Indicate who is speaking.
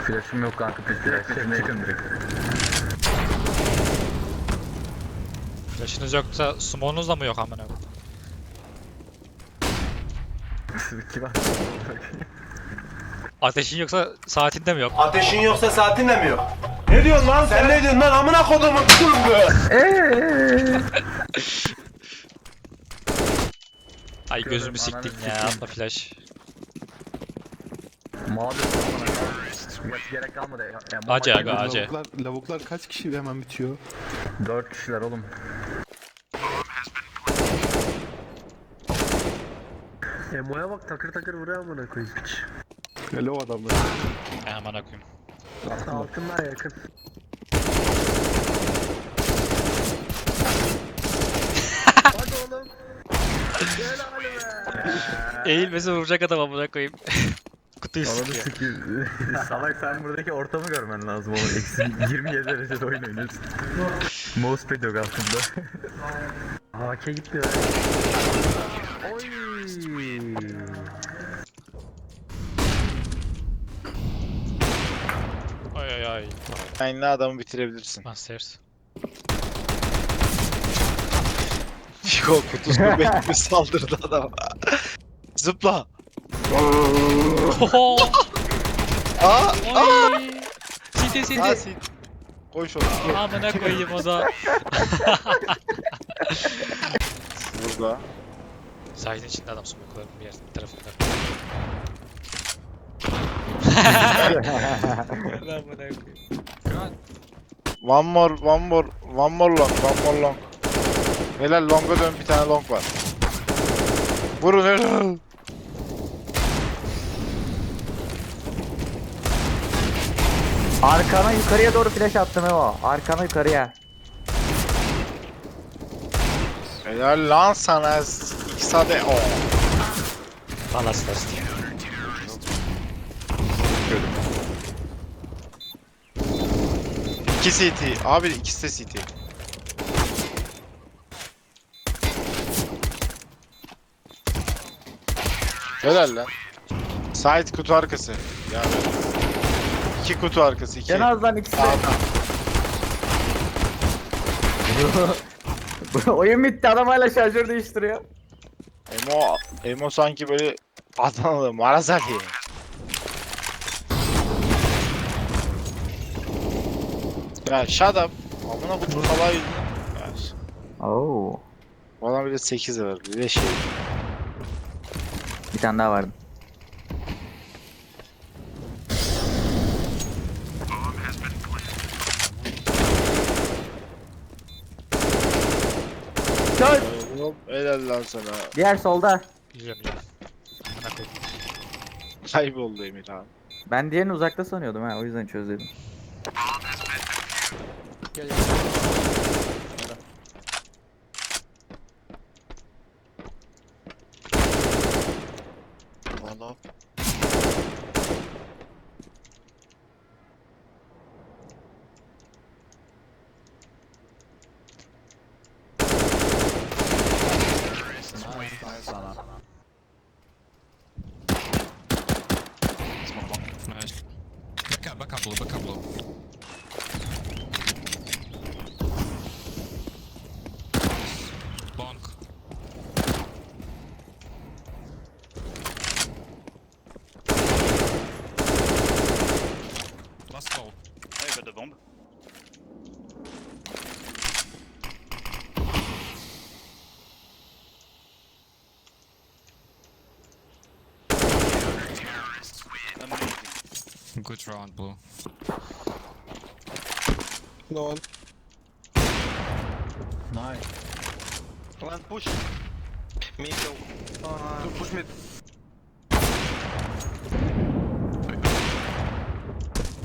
Speaker 1: Flash'ım yok kanka. Flash'ım yakın direkt.
Speaker 2: Flash'ınız yoksa smoke'unuz da mı yok amına koyayım?
Speaker 1: İki var.
Speaker 2: Ateşin yoksa saatinde mi yok?
Speaker 3: Ateşin yoksa saatin de mi yok? Ne diyorsun lan sen? Ne diyorsun lan amına kodumun kıllı?
Speaker 2: Ay gözümü
Speaker 1: Ananı
Speaker 2: siktin ya,
Speaker 1: sikeyim.
Speaker 2: atma flash.
Speaker 1: Mavi. Gerek kalmadı. Ya,
Speaker 2: Acı aga acı.
Speaker 4: Lavuklar kaç kişi hemen bitiyor?
Speaker 1: 4 kişiler oğlum.
Speaker 5: Emo'ya bak takır takır vuruyor amına koyayım piç.
Speaker 4: Hele o adamlar.
Speaker 2: Ay amına koyayım.
Speaker 5: Altından yakın. Hadi oğlum. Gel halime.
Speaker 2: Eğilmesi vuracak adam amına koyayım. Kutuyu
Speaker 1: Ananı
Speaker 2: sıkıyor.
Speaker 1: sikeyim. Salak sen buradaki ortamı görmen lazım oğlum. Eksi 27 derecede oyun oynuyorsun. Mousepad yok altında.
Speaker 5: AK gitti ya. Oy.
Speaker 2: Ay ay ay.
Speaker 6: Aynı adamı bitirebilirsin.
Speaker 2: Masters.
Speaker 6: Yok kutusunu bekle saldırdı adam. Zıpla.
Speaker 2: Oho!
Speaker 6: Aa!
Speaker 2: Ay! Siti
Speaker 6: Aa,
Speaker 2: siti.
Speaker 6: sil. Koy şunu.
Speaker 2: Amına koyayım o da.
Speaker 6: Burada.
Speaker 2: Sahilin içinde adam smoke'ların bir tarafında. Amına koyayım.
Speaker 6: One more long. Helal longa dön bir tane long var. Vurun helal.
Speaker 7: Arkana yukarıya doğru flash attım o. Arkana yukarıya.
Speaker 6: Helal lan sana. X'ade o.
Speaker 2: Palas first.
Speaker 6: İki CT. Abi ikisi de CT. Helal lan. Side kutu arkası. Yani. İki kutu arkası. İki.
Speaker 7: En azından ikisi de. Bu oyun bitti, adam hala şarjör değiştiriyor.
Speaker 6: Emo sanki böyle Adanalı Marazali. Ya shut up. Amına kutu salağı yüzünden. Ya,
Speaker 7: Oo.
Speaker 6: bana bir de 8 var. Bir de şey.
Speaker 7: Bir tane daha vardı. Çöz.
Speaker 6: Hop helal lan sana.
Speaker 7: Diğer solda.
Speaker 2: Biliyorum ya. Amına koyayım.
Speaker 6: Kayboldu Emir abi.
Speaker 7: Ben diğerini uzakta sanıyordum ha, o yüzden çözdüm.
Speaker 6: Valla.
Speaker 8: Nice. Backup low. Bonk. Last call.
Speaker 9: Ouais, de bombe.
Speaker 8: Good round, blue.
Speaker 4: No.
Speaker 3: One push. Mid. Push mid.